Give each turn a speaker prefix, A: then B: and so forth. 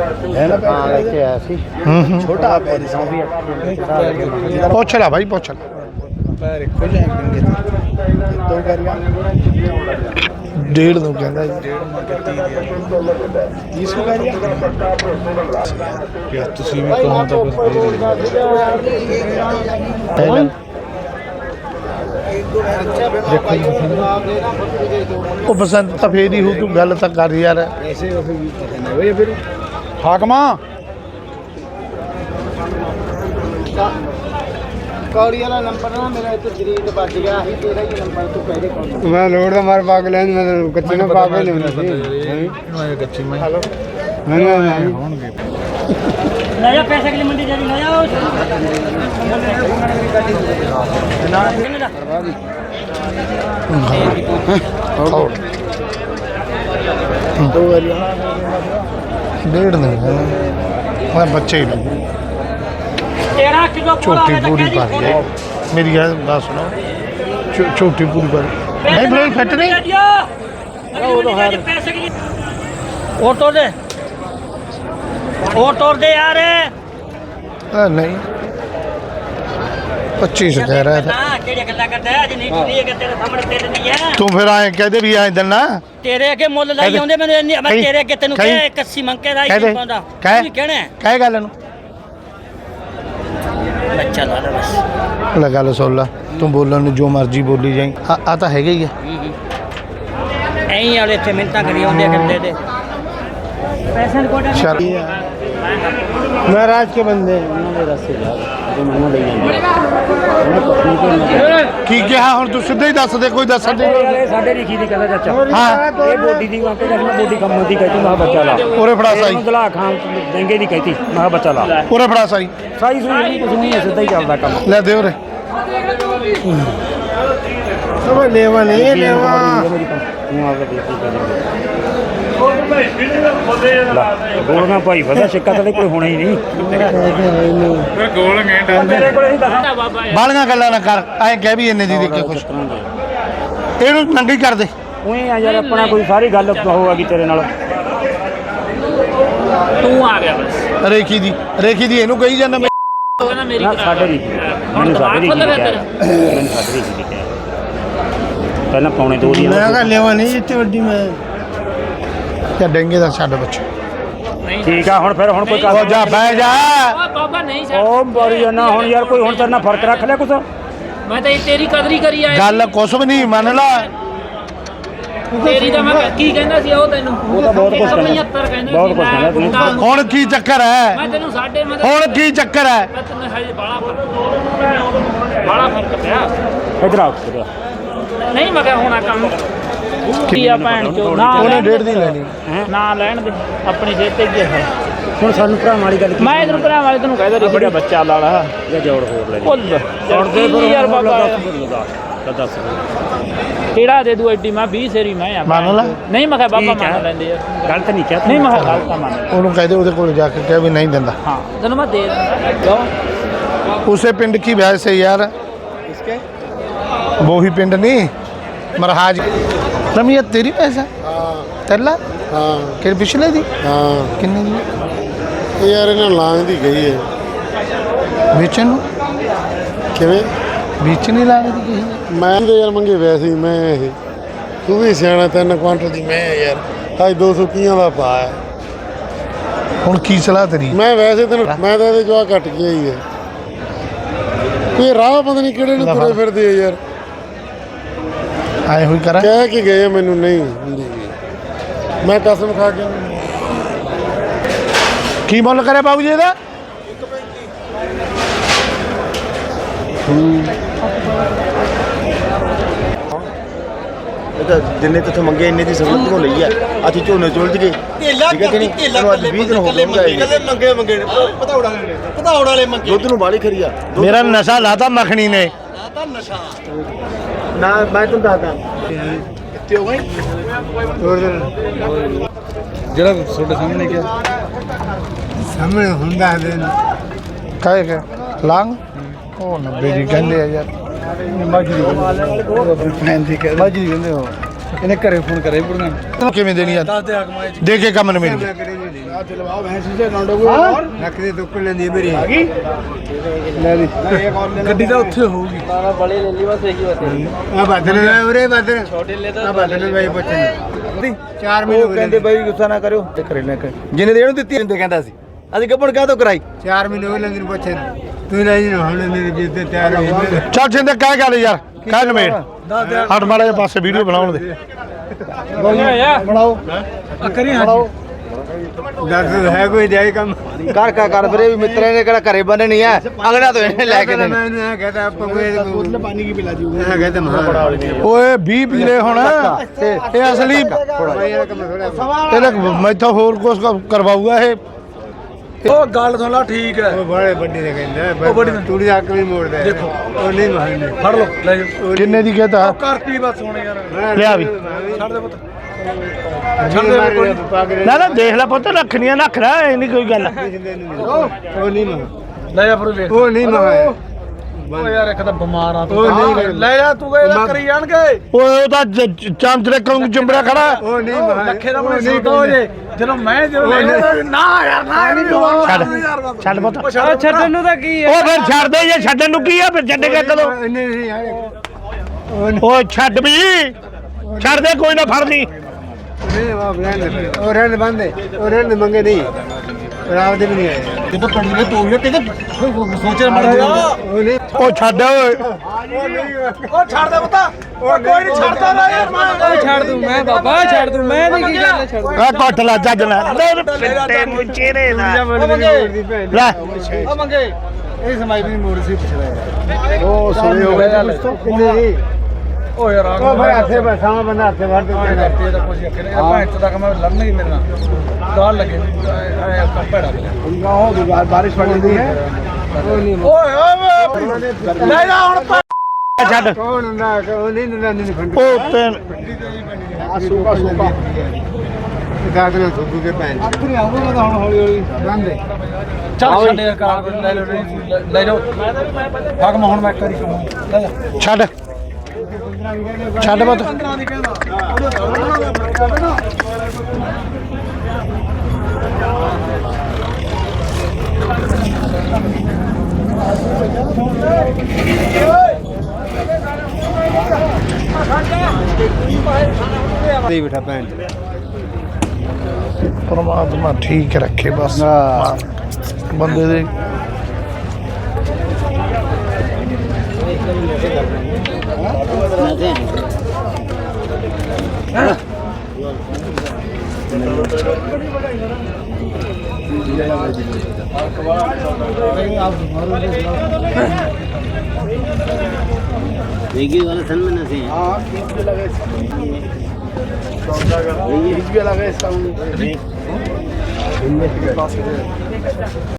A: छोटा
B: ਪੁੱਛ ਲੈ ਭਾਈ ਪੁੱਛ ਲੈ
A: पैर एक हो जाएंगे दो करिया
B: 1.5 ਨੂੰ ਕਹਿੰਦਾ ਜੀ
A: 1.5 माह के 30 करिया यार तुसी भी कहो तो कुछ
B: ਉਹ ਪਸੰਦ ਤਾਂ ਫੇਰ ਹੀ ਹੋ ਤੂੰ ਗੱਲ ਤਾਂ ਕਰ ਯਾਰ
A: ऐसे हो फिर हाकमा
C: कौड़ी वाला नंबर ना मेरा तो जरीद बच गया ही तेरा ही नंबर तू पहले कौन
A: मैं लोड दा मार पागल है मैं कच्चे ना पागल नहीं सी कच्ची में मैंने होंगे
C: ले जा पैसे के लिए मंडी जा ले जाओ
A: दो करिया
B: 1.5 ਨੂੰ ਮੈਂ ਬੱਚੇ ਹੀ
C: 13 किलो
B: ਝੋਟੀ ਪੂਰੀ ਪਾ ਰਹੀ ਹੈ ਮੇਰੀ ਗੱਲ ਸੁਣੋ ਝੋਟੀ ਪੂਰੀ ਪਾ ਨਹੀਂ ਬ੍ਰੇਕ ਫਿੱਟ ਨਹੀਂ
C: वो तो है पैसे के लिए और तोड़ दे यार
B: ਨਹੀਂ 25 ਕਹਿ ਰਿਹਾ था
C: केड़ी गल्ला करदा है अज नहीं ठीक है तेरे सामने तेरे नहीं है
B: ਤੂੰ ਫਿਰ ਆਏ ਕਹਦੇ ਵੀ ਆਏ ਦਿਨਾ
C: तेरे अगे मुੱਲ ਲਾਈ ਆਉਂਦੇ ਮੈਂ तेरे अगे ਤੈਨੂੰ ਕਿਹਾ 81 ਮੰਗ ਕੇ ਰਾਈ ਨਹੀਂ ਪਾਉਂਦਾ ਤੂੰ ਕਹਿਣਾ
B: ਕਹਿ ਗੱਲ ਨੂੰ
C: ਬੱਚਾ ਲਾ ਲੈ ਬਸ
B: ਲੈ ਗੱਲ ਸੁਣ ਲਾ ਤੂੰ ਬੋਲਣ ਨੂੰ ਜੋ ਮਰਜ਼ੀ ਬੋਲੀ ਜਾਈਂ ਆ ਤਾਂ ਹੈਗਾ ਹੀ ਆ
C: ਐਂ ਵਾਲੇ ਇੱਥੇ ਮਿੰਤਾਂ ਕਰੀ ਆਉਂਦੇ ਕਰਦੇ ਤੇ ਪੈਸੇ ਦੀ ਕੋਟਾ
A: महाराज के बंदे उन्होंने रस्ते जा तो मैंने ले जाएंगे
B: ਕੀ ਕਿਹਾ ਹੁਣ ਤੂੰ ਸਿੱਧਾ ਹੀ ਦੱਸ ਦੇ ਕੋਈ ਦੱਸਣ ਦੇ
D: ਸਾਡੇ ਲਿਖੀ ਦੀ ਕਹਿੰਦਾ ਚਾਚਾ
B: ਹਾਂ
D: ਇਹ ਬੋਡੀ ਦੀ ਵਾਂਕੇ ਜਦ ਮੈਂ ਬੋਡੀ ਕੰਮ ਦੀ ਕਹਿਤੀ ਮੈਂ ਬੱਚਾ ਲਾ
B: ਉਰੇ ਫੜਾ ਸਾਈ
D: ਦਲਾ ਖਾਂ ਦੇਂਗੇ ਦੀ ਕਹਿਤੀ ਮੈਂ ਬੱਚਾ ਲਾ
B: ਉਰੇ ਫੜਾ ਸਾਈ
D: ਸਾਈ ਸੂਈ ਨਹੀਂ ਕੁਝ ਨਹੀਂ ਸਿੱਧਾ ਹੀ ਚੱਲਦਾ ਕੰਮ
B: ਲੈ ਦੇ ਉਰੇ
A: सब लेवा नहीं लेवा
D: ਤੂੰ ਆ ਕੇ ਦੇਖੀ ਗੋਲਗਾ ਭਾਈ ਫਸਾ ਸਿੱਕਾ ਤਾਂ ਕੋਈ ਹੋਣਾ ਹੀ ਨਹੀਂ ਤੇਰੇ ਕੋਲ ਹੀ ਦੱਸ
B: ਬਾਲੀਆਂ ਗੱਲਾਂ ਨਾ ਕਰ ਐਂ ਕਹਿ ਵੀ ਇੰਨੇ ਦੀ ਦੇ ਕੇ ਖੁਸ਼ ਇਹਨੂੰ ਨੰਗੀ ਕਰ ਦੇ
D: ਉਹੀ ਆ ਯਾਰ ਆਪਣਾ ਕੋਈ ਸਾਰੀ ਗੱਲ ਹੋਵੇਗੀ ਤੇਰੇ ਨਾਲ
C: ਤੂੰ ਆ ਗਿਆ ਬਸ
B: ਰੇਖੀ ਦੀ ਇਹਨੂੰ ਕਹੀ ਜਾਂਦਾ
D: ਨਾ ਸਾਡੇ ਨਹੀਂ ਮੈਨੂੰ ਸਾਡੇ ਨਹੀਂ ਮੈਨੂੰ ਸਾਡੇ ਨਹੀਂ ਪਹਿਲਾਂ ਪੌਣੇ 2 ਦੀ
A: मैं कहा लेवा नहीं जितनी वड्डी में
B: ਜਾਂ ਡੇਂਗੇ ਦਾ ਛੱਡ ਬੱਚੇ
D: ਠੀਕ ਆ ਹੁਣ ਫਿਰ ਹੁਣ ਕੋਈ
B: ਉਹ ਜਾ ਬਹਿ ਜਾ
C: ਬਾਬਾ ਨਹੀਂ
D: ਉਹ ਬਾਰੀ ਨਾ ਹੁਣ ਯਾਰ ਕੋਈ ਹੁਣ ਤੇਰੇ ਨਾਲ ਫਰਕ ਰੱਖ ਲਿਆ ਕੁਛ
C: ਮੈਂ ਤਾਂ ਤੇਰੀ ਕਦਰੀ ਕਰੀ ਆਇਆ
B: ਗੱਲ ਕੁਛ ਵੀ ਨਹੀਂ ਮੰਨ ਲਾ
C: ਤੇਰੀ ਤਾਂ ਮੈਂ ਕੀ ਕਹਿੰਦਾ ਸੀ ਉਹ ਤੈਨੂੰ
D: ਉਹ ਤਾਂ ਬਹੁਤ ਕੁਛ ਕਹਿੰਦਾ
C: 75 ਕਹਿੰਦਾ
D: ਬਹੁਤ ਕੁਛ ਕਹਿੰਦਾ
B: ਹੁਣ ਕੀ ਚੱਕਰ ਹੈ
C: ਮੈਂ ਤੈਨੂੰ ਸਾਡੇ ਮੈਂ
B: ਹੁਣ ਕੀ ਚੱਕਰ ਹੈ
C: ਤੈਨੂੰ ਹਜੇ ਬਾਲਾ ਫਰਕ ਪਿਆ
D: ਇਧਰ ਆ
C: ਨਹੀਂ ਮੈਂ ਕਿਹਾ ਹੋਣਾ ਕੰਮ ਕੀ ਆ ਭੈਣ ਚੋ ਨਾ
B: ਉਹਨੇ 1.5 ਦੀ ਲੈਣੀ
C: ਨਾ ਲੈਣ ਦੇ ਆਪਣੀ ਸਿਹਤ ਤੇ ਕੀ ਹੈ
D: ਹੁਣ ਸਾਨੂੰ ਭਰਾ ਵਾਲੀ ਗੱਲ
C: ਮੈਂ ਇਧਰ ਭਰਾ ਵਾਲੇ ਤੈਨੂੰ ਕਹਿਦਾ ਰਹੀ ਬੜਾ ਬੱਚਾ ਲਾਲਾ
D: ਜਾਂ ਜੋੜ ਹੋਰ ਲੈ
C: ਭੁੱਲ
D: ਜੋੜ ਦੇ ਫਿਰ
C: ਯਾਰ ਬਾਬਾ
D: ਦੱਸ
C: ਕਿਹੜਾ ਦੇ ਦੂ ਐਡੀ ਮੈਂ 20 ਸੇਰੀ ਮੈਂ ਆ
B: ਮੰਨ ਲਾ
C: ਨਹੀਂ ਮੈਂ ਕਿਹਾ ਬਾਬਾ ਮੰਨ ਲੈਂਦੇ ਯਾਰ
D: ਗਲਤ ਨਹੀਂ ਕਿਹਾ
C: ਨਹੀਂ ਮੈਂ ਕਿਹਾ ਗਲਤ ਤਾਂ ਮੰਨ
B: ਉਹਨੂੰ ਕਹਦੇ ਉਹਦੇ ਕੋਲ ਜਾ ਕੇ ਕਹਿ ਵੀ ਨਹੀਂ ਦਿੰਦਾ
C: ਹਾਂ ਤੈਨੂੰ ਮੈਂ ਦੇ ਦਿੰਦਾ ਜਾਓ
B: ਉਸੇ ਪਿੰਡ ਕੀ ਵੈਸੇ से यार
A: इसके
B: वो ही पिंड नहीं मरहाज रमिया तेरी पैसा
A: हाँ
B: तेला
A: हाँ
B: कि पिछले दी
A: हाँ
B: किन्ने दी
A: ਇਹ ਯਾਰ ਇਹਨਾਂ ਲਾਂਗ ਦੀ ਗਈ ਹੈ
B: बेचन
A: ਕਿਵੇਂ
B: बेचने लाने दी कही
A: ਮੈਂ ਤੇ ਯਾਰ ਮੰਗੇ ਵੈਸੇ ਹੀ ਮੈਂ ਇਹ ਤੂੰ ਵੀ ਸਿਆਣਾ 3 ਕੁਆਂਟਲ ਦੀ ਮੈਂ ਯਾਰ ਅੱਜ 200 ਕੀਆਂ ਦਾ ਪਾ ਹੈ
B: ਹੁਣ ਕੀ ਸਲਾਹ ਤੇਰੀ
A: ਮੈਂ ਵੈਸੇ ਤੈਨੂੰ ਮੈਂ ਤਾਂ ਇਹਦੇ ਜਵਾ ਘਟ ਗਿਆ ਹੀ ਹੈ ਕੋਈ ਰਾਹ ਪਤਾ ਨਹੀਂ ਕਿਹੜੇ ਨੂੰ ਤੁਰੇ ਫਿਰਦੇ ਆ ਯਾਰ
B: ਆਏ ਹੋਈ ਕਰਾਂ
A: ਕਹਿ ਕੇ ਗਏ ਆ ਮੈਨੂੰ ਨਹੀਂ ਮੈਂ ਕਸਮ ਖਾ ਕੇ
B: ਕੀ ਮੁੱਲ ਕਰਿਆ ਬਾਬੂ ਜੀ ਇਹਦਾ
E: ਜਿੰਨੇ ਤੇ ਮੰਗੇ ਇੰਨੇ ਦੀ ਸਬੂਤ ਤੋਂ ਲਈ ਆ ਅਸੀਂ ਝੋਨੇ ਚੁਲਝ ਗਏ ਠੀਕ ਹੈ ਕਿ ਨਹੀਂ ਤੁਹਾਨੂੰ ਅੱਜ 20 ਦਿਨ ਹੋ ਗਏ ਮੰਗੇ
A: ਪਧਾਉੜ ਵਾਲੇ ਮੰਗੇ
E: ਦੁੱਧ ਨੂੰ ਬਾਲੀ ਖਰੀ ਆ
B: ਮੇਰਾ ਨਸ਼ਾ ਲਾਤਾ ਮੱਖਣੀ ਨੇ
E: ਨਾ ਮੈਂ ਤੁਹਾਨੂੰ ਦੱਸਦਾ
A: ਕਿੱਥੇ ਹੋ ਗਏ ਜਿਹੜਾ ਤੁਹਾਡੇ ਸਾਹਮਣੇ ਕਿਹਾ ਸਾਹਮਣੇ ਹੁੰਦਾ ਹੈ
B: ਕਾਹੇ ਕੇ ਲਾਂਗ ਉਹ 90 ਦੀ ਕਹਿੰਦੇ ਆ ਯਾਰ
A: ਮਾਜਰੀ ਕਹਿੰਦੇ ਹੋ ਇਹਨੇ ਘਰੇ ਫੋਨ ਕਰੇ ਪੁਰਨਾ
B: ਕਿਵੇਂ ਦੇਣੀ ਆ
A: ਦੱਸ ਦੇ ਆਗਮਾਏ
B: ਦੇ ਕੇ ਕੰਮ ਨਵੇੜੀ
A: ਨਕਲੀ ਦੁੱਕ ਲੈਂਦੀ ਮੇਰੀ
B: ਗੱਡੀ ਤਾਂ ਉੱਥੇ ਹੋਊਗੀ
A: ਆ ਬਦਲ ਉਰੇ ਬਦਲ ਛੋਟੇ ਲੈ ਤਾਂ ਬਦਲ ਬਾਈ ਪੁੱਛਣ 4 ਮਹੀਨੇ
E: ਕਹਿੰਦੇ ਬਾਈ ਗੁੱਸਾ ਨਾ ਕਰਿਓ ਤੇ ਖਰੇ ਲੈ ਕੇ ਜਿਹਨੇ ਦੇਣ ਦਿੱਤੀ ਇਹਨੂੰ ਕਹਿੰਦਾ ਸੀ ਅਸੀਂ ਗੱਪੜ ਕਾਹ ਤੋਂ ਕਰਾਈ
A: 4 ਮਹੀਨੇ ਹੋ ਲੰਗਰ ਪੁੱਛਣ ਤੂੰ ਲੈ ਜੀ ਹੁਣ ਮੇਰੀ ਜਿੱਦ ਤੇ ਤਿਆਰ ਹੋ
B: ਚੱਲ ਜਿੰਦੇ ਕਹਿ ਗੱਲ ਯਾਰ ਕਹਿ ਨਵੇੜ ਹਟ ਮਾੜਾ ਜਿਹਾ ਪਾਸੇ ਵੀਡੀਓ ਬਣਾਉਣ ਦੇ
E: ਬਣਾਓ
B: ਕਰੀ ਹਾਂ
A: ਦੱਸ ਹੈ ਕੋਈ ਜਾਈ ਕੰਮ
E: ਕਰ ਵੀਰੇ ਵੀ ਮਿੱਤਰਾਂ ਨੇ ਕਿਹੜਾ ਘਰੇ ਬੰਨੇ ਨਹੀਂ ਐ ਅਗਲਾ ਤੋਂ ਇਹਨੇ ਲੈ ਕੇ ਦੇਣੇ
A: ਮੈਂ ਇਹਨੂੰ ਇਹ ਕਹਤਾ ਆਪਾਂ ਕੋਈ ਪਾਣੀ ਕੀ ਪਿਲਾ ਜੂਗਾ ਇਹ ਕਹਤਾ ਮਹਾ
B: ਓਏ 20 ਪੀਲੇ ਹੁਣ ਇਹ ਅਸਲੀ ਇਹਨੇ ਮੈਥੋਂ ਹੋਰ ਕੁਝ ਕਰਵਾਊਗਾ ਇਹ ਉਹ ਗੱਲ ਸੁਣ ਲਾ ਠੀਕ ਹੈ
A: ਉਹ ਬੜੇ ਵੱਡੀ ਨੇ ਕਹਿੰਦਾ ਉਹ ਤੂੜੀ ਦਾ ਅੱਗ ਵੀ ਮੋੜਦਾ ਦੇਖੋ ਉਹ ਨਹੀਂ ਮਾਰਨੇ
B: ਫੜ ਲਓ ਲੈ ਜਾ ਕਿੰਨੇ ਦੀ ਕਹਤਾ ਕਰਤੀ ਬਸ ਹੁਣ ਯਾਰ ਲਿਆ ਵੀ ਛੱਡ ਦੇ ਪੁੱਤ ਨਾ ਨਾ ਦੇਖ ਲੈ ਪੁੱਤ ਰੱਖਣੀਆਂ ਰੱਖ ਲੈ ਇਹ ਨਹੀਂ ਕੋਈ ਗੱਲ
A: ਉਹ ਨਹੀਂ ਮਹਾ
B: ਲੈ ਜਾ ਫਿਰ ਵੇਖ
A: ਉਹ ਨਹੀਂ ਮਹਾ
B: ਓ ਯਾਰ ਇੱਕ ਤਾਂ ਬਿਮਾਰ ਆ ਤੂੰ ਲੈ ਜਾ ਤੂੰ ਇਹਦਾ ਕਰੀ ਜਾਣਗੇ ਓਏ ਉਹ ਤਾਂ ਚਾਂਦਰੇ ਕੋਲ ਜੰਬੜਾ ਖੜਾ
A: ਉਹ ਨਹੀਂ ਮਹਾ
B: ਲੱਖੇ ਦਾ ਬਣੇ ਸੌਦਾ ਹੋ ਜੇ ਜਦੋਂ ਨਾ ਯਾਰ ਨਾ ਛੱਡ ਪੁੱਤ
C: ਛੱਡਣ ਨੂੰ ਤਾਂ ਕੀ
B: ਉਹ ਫਿਰ ਛੱਡ ਦੇ ਜੇ ਛੱਡਣ ਨੂੰ ਕੀ ਆ ਫਿਰ ਛੱਡੇਗਾ ਕਦੋਂ
A: ਨਹੀਂ
B: ਓ ਛੱਡ ਵੀ ਛੱਡ ਦੇ ਕੋਈ ਨਾ ਫੜ ਲਈ
A: ਉਹ ਰਹਿਣ ਬੰਦੇ ਉਹ ਰਹਿਣ ਮੰਗੇ ਨਹੀਂ ਰਾਵ ਦੇ ਵੀ ਨਹੀਂ ਆਏ
E: ਕਿਤੇ ਪੜੀ ਨੇ ਤੂੰ ਇਹ ਕਿਤੇ ਸੋਚੇ ਮੜ
A: ਉਹ ਨਹੀਂ
B: ਉਹ ਛੱਡ ਓਏ
E: ਉਹ ਛੱਡ ਦੇ ਪਤਾ ਕੋਈ ਨਹੀਂ ਛੱਡਦਾ ਨਾ ਯਾਰ ਮੈਂ
C: ਛੱਡ ਦੂੰ ਮੈਂ ਬਾਬਾ ਛੱਡ ਦੂੰ ਮੈਂ ਨਹੀਂ ਕੀ ਗੱਲ ਛੱਡ
B: ਆ ਕੱਟ ਲਾ ਜੱਜ ਲੈ ਪਿੱਟੇ ਨੂੰ ਚਿਹਰੇ ਦਾ ਲੈ
E: ਉਹ ਮੰਗੇ ਇਹ ਸਮਾਈ ਵੀ ਮੋੜ ਸੀ ਪੁੱਛਦਾ
A: ਉਹ ਸੋਏ ਹੋ ਗਏ ਨਹੀਂ
B: ਓ ਯਾਰ
A: ਉਹ ਭਾਈ ਹੱਥੇ ਬਸਾਵਾਂ ਬੰਦਾ ਹੱਥੇ ਵੜ ਦੇ
B: ਇਹਦਾ ਕੁਝ ਅੱਖੇ ਆਪਾਂ ਇੱਥੇ ਤੱਕ ਮੈਂ ਲੜਨ ਹੀ ਮੇਰੇ ਨਾਲ ਗਾਲ ਲੱਗੇ ਐ ਕੰਪੜਾ
A: उनका हो बारिश पड़ रही है
B: ਓਏ ਓਏ ਲੈ ਜਾ ਹੁਣ ਛੱਡ
A: कौन ना वो नहीं फंड
B: ਉਹ ਤੇ
A: सूखा सूखा दाद ना धुप के पैन आखिर आऊंगा तो हौली हौली बंद है
B: ਚੱਲ ਛੱਡ ਯਾਰ ਕਾਰ ਲੈ ਲਓ ਲੈ ਜਾਓ ਫਗਮ ਹੁਣ ਮੈਂ ਕਰੀ ਕਹੂੰ ਲੈ ਜਾ ਛੱਡ ਛੱਡ ਮਤ
A: नहीं बैठा पैन
B: ਪਰਮਾਤਮਾ ਠੀਕ ਰੱਖੇ ਬਸ ਬੰਦੇ ਦੇ
D: देखिए वाला सन में नसे हैं
A: हां बीच में लगे बीच में लगे साउंड